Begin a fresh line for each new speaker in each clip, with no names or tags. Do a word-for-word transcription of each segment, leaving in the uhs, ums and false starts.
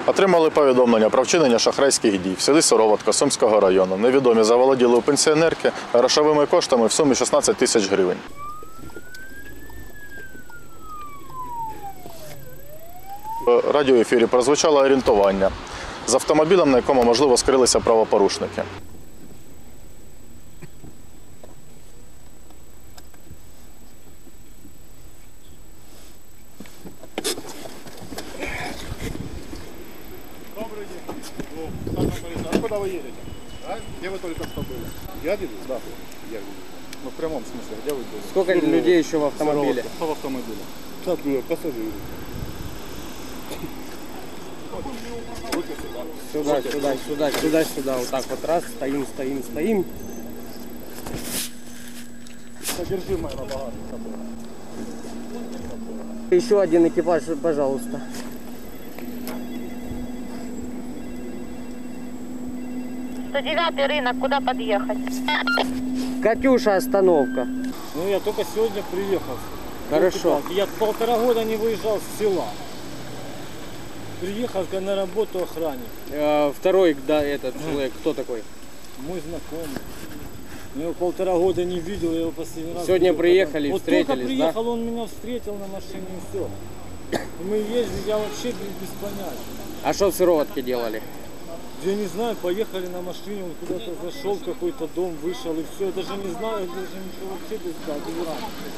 Отримали повідомлення про вчинення шахрайських дій в селі Сироватка Сумського району. Невідомі заволоділи у пенсіонерки грошовими коштами в сумі шістнадцять тисяч гривень. В радіоефірі прозвучало орієнтування з автомобілем, на якому, можливо, скрилися правопорушники.
Добрый день. А куда вы едете? А? Где вы только что были? Я еду? Да. Я еду. Ну, в прямом смысле, где вы были?
Сколько ну, людей еще в автомобиле?
Кто в автомобиле? Так, пассажиры.
Сюда, сюда, сюда, сюда, сюда. Вот так вот раз, стоим, стоим, стоим.
Содержимое на багажнике.
Еще один экипаж, пожалуйста.
сто девятый рынок, куда подъехать?
Катюша, остановка.
Ну, я только сегодня приехал.
Хорошо.
Я полтора года не выезжал с села. Приехал на работу охранник.
Э, второй, да, этот человек, кто такой?
Мой знакомый. Я его полтора года не видел, я его последний раз
Сегодня
видел,
приехали,
когда...
встретились,
вот только приехал,
да?
он меня встретил на машине и все. И мы ездили, я вообще без, без понятия.
А что в Сыроватке делали?
Я не знаю, поехали на машине, он куда-то зашел в какой-то дом, вышел и все. Я даже не знаю, даже ничего вообще без дела.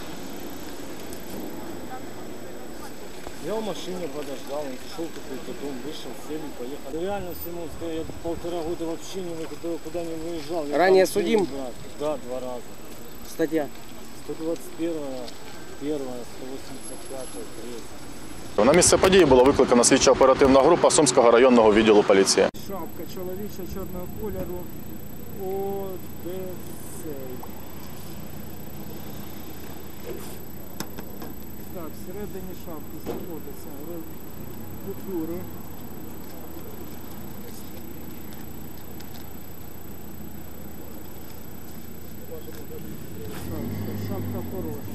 Я в машине подождал, он зашел в какой-то дом, вышел, сели, поехали. Реально, Симонская, я полтора года вообще не выходил, куда не выезжал. Я
Ранее
там
судим?
был, да, два раза.
Статья.
сто двадцять первая, первая, сто восемьдесят пятая, третья.
На місце події було викликана слідчо-оперативна група Сумського районного відділу поліції.
Шапка чоловіча чорного кольору Одесей. Так, всередині шапки знаходяться купюри. Так, шапка порожня.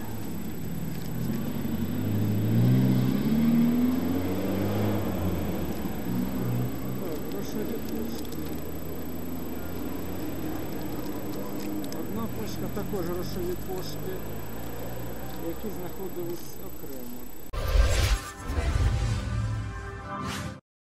Одна пачка також грошові кошти, які знаходились окремо.